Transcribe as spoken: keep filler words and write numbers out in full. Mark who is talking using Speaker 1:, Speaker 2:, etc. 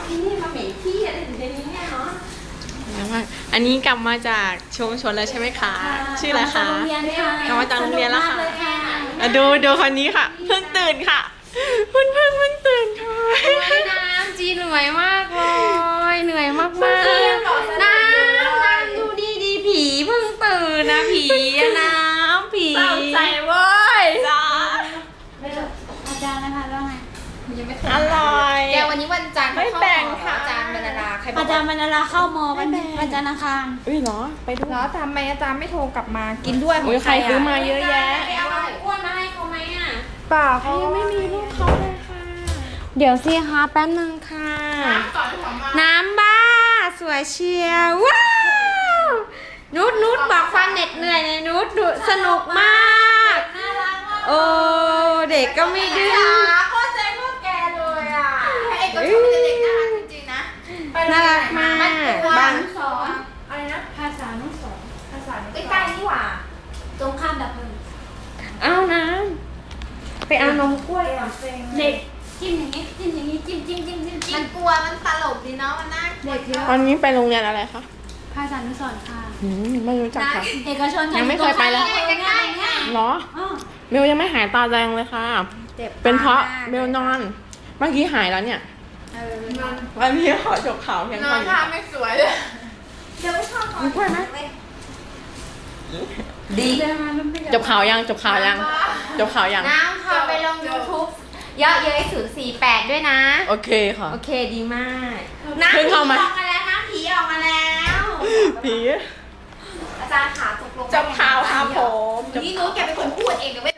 Speaker 1: ที่นี่มาเหม็นขี้อะไรอยู่ในนี้เนี่ยเนาะ
Speaker 2: อันนี้กลับมาจากชุมชนแล้วใช่ไหมคะ ชื่ออะไรคะ
Speaker 3: โรงเรียนค่ะ
Speaker 2: กลับมาจากโรงเรียนแล้วค่ะ
Speaker 3: สกมากเลยค่ะ
Speaker 2: อ่ะดูดูคนนี้ค่ะ เพิ่งตื่นค่ะเพิ่งเพิ่งเพิ่งตื่นค่ะ
Speaker 1: น้ำจีเหนื่อยมากเลยเหนื่อยมากมากน้ำน้ำดูดีดีผีเพิ่งตื่นนะผีอะน้ำผี
Speaker 2: เศร้าใจเว้ยจ้า
Speaker 3: อาจารย์นะคะแล้วไง
Speaker 1: ยังไม่
Speaker 2: อร่อย
Speaker 1: แกวันนี้วันจันทร์
Speaker 2: ไม่แบ่งค่ะ
Speaker 1: อาจารย์บรรณาใครบอก
Speaker 3: อาจารย์บรรณาเข้ามอวันวันจันทร์อังคาร
Speaker 2: อุ้ยเหรอไปดู
Speaker 1: แล้วทำไมอาจารย์ไม่โทรกลับมากินด้วยของ
Speaker 2: อุ้ยใครซื้อมาเยอะแยะ
Speaker 1: ไปเอาอ้วนมาให้เขาไหมอ่ะ
Speaker 2: เปล่าเขายังไม่มีลูกเขาเลยค่ะ
Speaker 1: เดี๋ยวสิคะแป๊บนึงค่ะ น้ำบ้าสวยเชียวว้าวนุชนุชบอกความเหน็ดเหนื่อยในนุชนุชสนุกมากโอ้เด็กก็ไม่ดื้อ
Speaker 4: โคตรเจ๊งโคตรแกเลยอ่ะไอ้ก็ชอบเป็นเด็กน่ารักจริงๆนะ
Speaker 1: น่ารักมากบาง
Speaker 4: สอนอะไรนะ
Speaker 3: ภาษานุสรณ์
Speaker 4: ภาษาใกล้ๆนี่หว่า
Speaker 3: ตรงข้ามดับเพลิง
Speaker 1: เอาน้ำไปเอานมกล้วยก่อน
Speaker 3: เด็กจิ้มอย่างนี้จิ้มอย่างนี้จิ้มจิ้มจิ้มจิ้มจิ้
Speaker 4: มั
Speaker 3: ม
Speaker 4: นกลัวมันตลกดีเนาะมันน่า
Speaker 3: เด็กเยอะ
Speaker 2: วันนี้ไปโรงเรียนอะไรคะ
Speaker 3: ภาษานุสรณ์ค่ะ
Speaker 2: อืมไม่รู้จักค่ะ
Speaker 3: เอกชน
Speaker 2: ยังไม่เคยไปเลย
Speaker 3: ใกล้ๆเนี่ย
Speaker 2: เหรอ
Speaker 3: อ๋อ
Speaker 2: เบลยังไม่หายตาแดงเลยค่ะ
Speaker 1: เจ็บ
Speaker 2: เป็นเพราะ
Speaker 1: มาก
Speaker 2: เบลนอน เมื่อกี้หายแล้วเนี่ย
Speaker 1: เออ
Speaker 2: วันนี้ขอจบข่าวเพียง
Speaker 4: นอ
Speaker 2: เท่าน นี้
Speaker 4: ท่า
Speaker 2: ค่ะ
Speaker 4: ไม่สวยเลยเดี๋ยวชอบขอ
Speaker 2: มีกล้วยไหม
Speaker 1: ดี
Speaker 2: จบข่าวยังจบข่าวยังจบข่าวยัง
Speaker 1: น้ำค่ะไปลง YouTube เยอะเย้ยศูนย์สี่แปดด้วยนะ
Speaker 2: โอเคค่ะ
Speaker 1: โอเคดีมาก
Speaker 4: น้ำ
Speaker 2: เพิ่
Speaker 4: ผี
Speaker 2: ง
Speaker 4: อ
Speaker 2: เข้า
Speaker 4: อก
Speaker 2: มา
Speaker 4: มาแล้วน้ำผีออกมาแล้ว
Speaker 2: ผี
Speaker 4: อาจารย์ขาตกลง
Speaker 2: จบข่าวครับผม
Speaker 4: นี่นู้นแกเป็นคนพูดเองเดี๋ยว